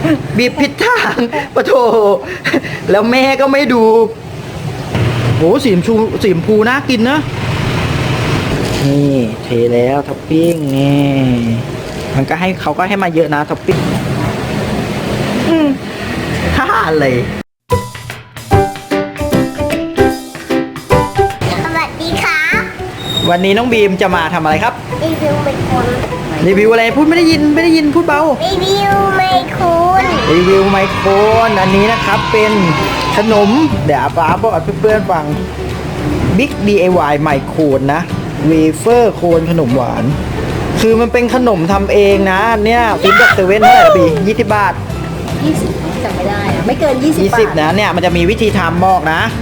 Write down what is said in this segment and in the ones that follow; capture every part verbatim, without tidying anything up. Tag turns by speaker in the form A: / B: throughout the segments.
A: บีบผิดทางปะโถแล้วแม่ก็ไม่ดูโหสีชมพูสีชมพูน่ากินนะนี่เทแล้วท็อปปิ้งนี่มันก็ให้เขาก็ให้มาเยอะนะท็อปปิ้งอืมฮ่าอะไร
B: สวัสดีครับ
A: วันนี้น้องบีมจะมาทำอะไรครับ
B: รีวิวเป็นคน
A: รีวิวอะไรพูดไม่ได้ยินไม่ได้ยินพูดเบา
B: รีวิวไม่คุณ
A: รีวิวไมโครนอันนี้นะครับเป็นขนมเดี๋ยวป้าบอกเพื่อนๆฟัง Big ดี ไอ วาย ไมโครนนะเวเฟอร์โคนขนมหวานคือมันเป็นขนมทำเองนะเนี่ยฟิล์มจากเซเว่นเท่าไหร่ปียี่สิบบาท
C: ยี่สิบจำไม่ได้อะไม่เกินยี่สิบ
A: ยี่
C: บา
A: สิบ
C: ท
A: นะเนี่ยมันจะมีวิธีทำบอกนะ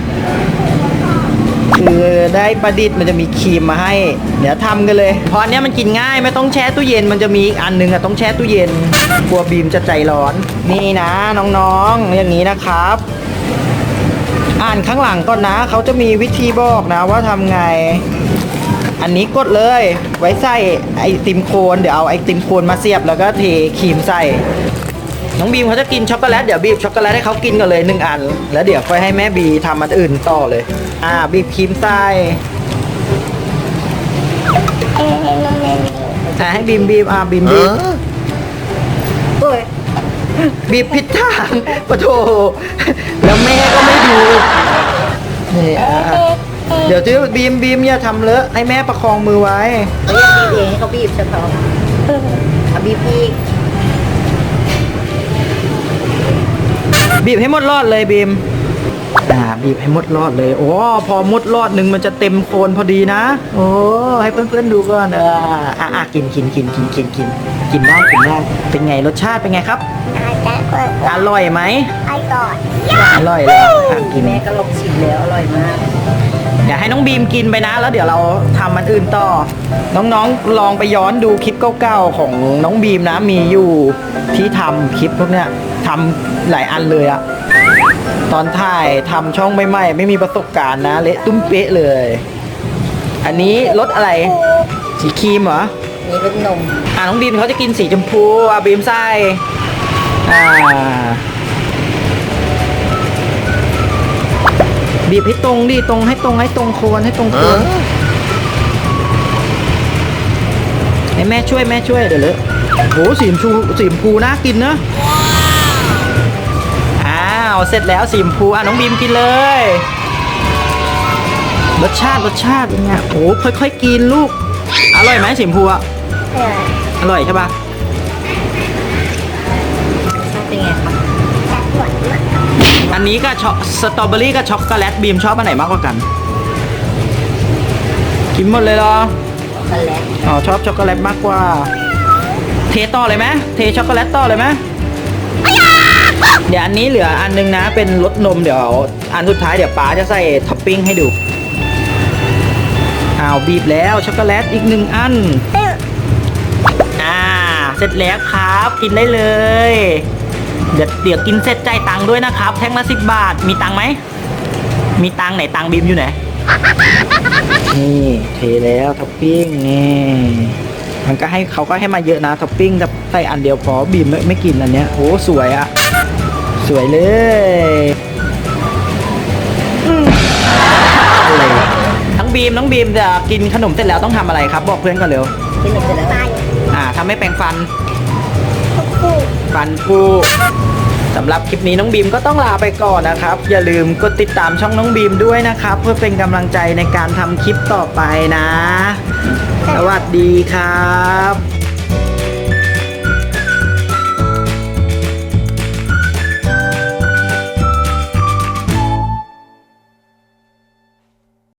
A: คือได้ประดิษฐ์มันจะมีครีมมาให้เดี๋ยวทำกันเลยเพราะอันเนี้ยมันกินง่ายไม่ต้องแช่ตู้เย็นมันจะมีอีกอันนึงอะต้องแช่ตู้เย็นกลัวบีมจะใจร้อนนี่นะน้องๆอย่างนี้นะครับอ่านข้างหลังก่อนนะเขาจะมีวิธีบอกนะว่าทำไงอันนี้กดเลยไว้ใส่ไอติมโคนเดี๋ยวเอาไอติมโคนมาเสียบแล้วก็เทครีมใส่น้องบีมเขาจะกินช็อกโกแลตเดี๋ยวบีบช็อกโกแลตให้เขากินกันเลยหนึ่งอันแล้วเดี๋ยวค่อยให้แม่บีทำอันอื่นต่อเลยอ่าบีบครีมใส่
B: เอ้ยน้องเนน
A: อ่าให้บีมบีบอ่าบีมบีบ
C: โอ้ย
A: บีบผิดทางปะโถแล้วแม่ก็ไม่ดูนี่อ่ะเดี๋ยวที่บีมบีมอย่าทำเลอะให้แม่ประคองมือไว้
C: เขาอยากบีบเองให้เขาบีบเฉพาะเอาบีบอีก
A: บีบให้หมดรอดเลยบีมอ่าบีบให้หมดรอดเลยโอ้พอหมดรอดหนึ่งมันจะเต็มโคนพอดีนะโอ้ให้เพื่อนๆดูก่อนเอออ่ะอ่ะกินกินกินกินกินกินกินได้กินได้เป็นไงรสชาติเป็นไงครับ
B: อาจจะเปิด
A: อร่อยไหม
B: ไอ้ก่อน
A: อร่อยแล้วอ่ะกิน
C: แม่ก็ลองชิมแล้วอร่อยมาก
A: อย่าให้น้องบีมกินไปนะแล้วเดี๋ยวเราทำมันอื่นต่อ น้องๆลองไปย้อนดูคลิปเก่าๆของน้องบีมนะมีอยู่ที่ทำคลิปพวกเนี้ยทำหลายอันเลยอะตอนถ่ายทำช่องใหม่ๆไม่มีประสบการณ์นะเละตุ้มเป๊ะเลย อันนี้รสอะไรสีครีมเหรอ
C: นี่รสนม
A: อ่าน้องบีมเขาจะกินสีชมพูอ่ะบีมใส่อ่าบีบให้ตรงดิตรงให้ตรงให้ตรงโคนให้ตรงโคนให้แม่ช่วยแม่ช่วยเดี๋ยวเลยโหสีชมพูสีชมพูน่ากินนะอ้าวเสร็จแล้วสีชมพูอ่ะน้องบีมกินเลยรสชาติรสชาติเป็นไงโอ้ค่อยๆกินลูกอร่อยไหมสีชมพูอ่ะ
B: เออ
A: อร่อยใช่ปะ
C: ชอบเป็นไงคะ
B: จะหวานมาก
A: อันนี้ก็ช็อกสตรอเบอรี่กับช็อกโกแลตบีมชอบอันไหนมากกว่ากันกินหมดเลยเหรอ
C: ช็อกโกแลต
A: อ๋อชอบช็อกโกแลตมากกว่าเทต่อเลยไหมเทช็อกโกแลตต่อเลยไหมเดี๋ยวอันนี้เหลืออันนึงนะเป็นรสนมเดี๋ยวอันสุดท้ายเดี๋ยวป๊าจะใส่ท็อปปิ้งให้ดูอ้าวบีบแล้วช็อกโกแลตอีกหนึ่งอันอ่าเสร็จแล้วครับกินได้เลยเดี๋ยวเดี๋ยวกินเสร็จจ่ายตังค์ด้วยนะครับแท่งละสิบบาทมีตังค์ไหมมีตังค์ไหนตังค์บีมอยู่ไหนนี่เทแล้วท็อปปิ้งนี่มันก็ให้เขาก็ให้มาเยอะนะท็อปปิ้งแต่ใส่อันเดียวพอบีมไม่ไม่กินอันเนี้ยโอ้สวยอะสวยเลยอืมอะไรทั้งบีมน้องบีมจะกินขนมเสร็จแล้วต้องทำอะไรครับบอกเพื่อนก่อนเร็ว
C: กินหมดเสร็จแล้ว
B: ไป
A: อ่าทำให้แปรงฟัน
B: คู่
A: ฟันผูสำหรับคลิปนี้น้องบีมก็ต้องลาไปก่อนนะครับอย่าลืมกดติดตามช่องน้องบีมด้วยนะครับเพื่อเป็นกำลังใจในการทำคลิปต่อไปนะ สวัสดีครับ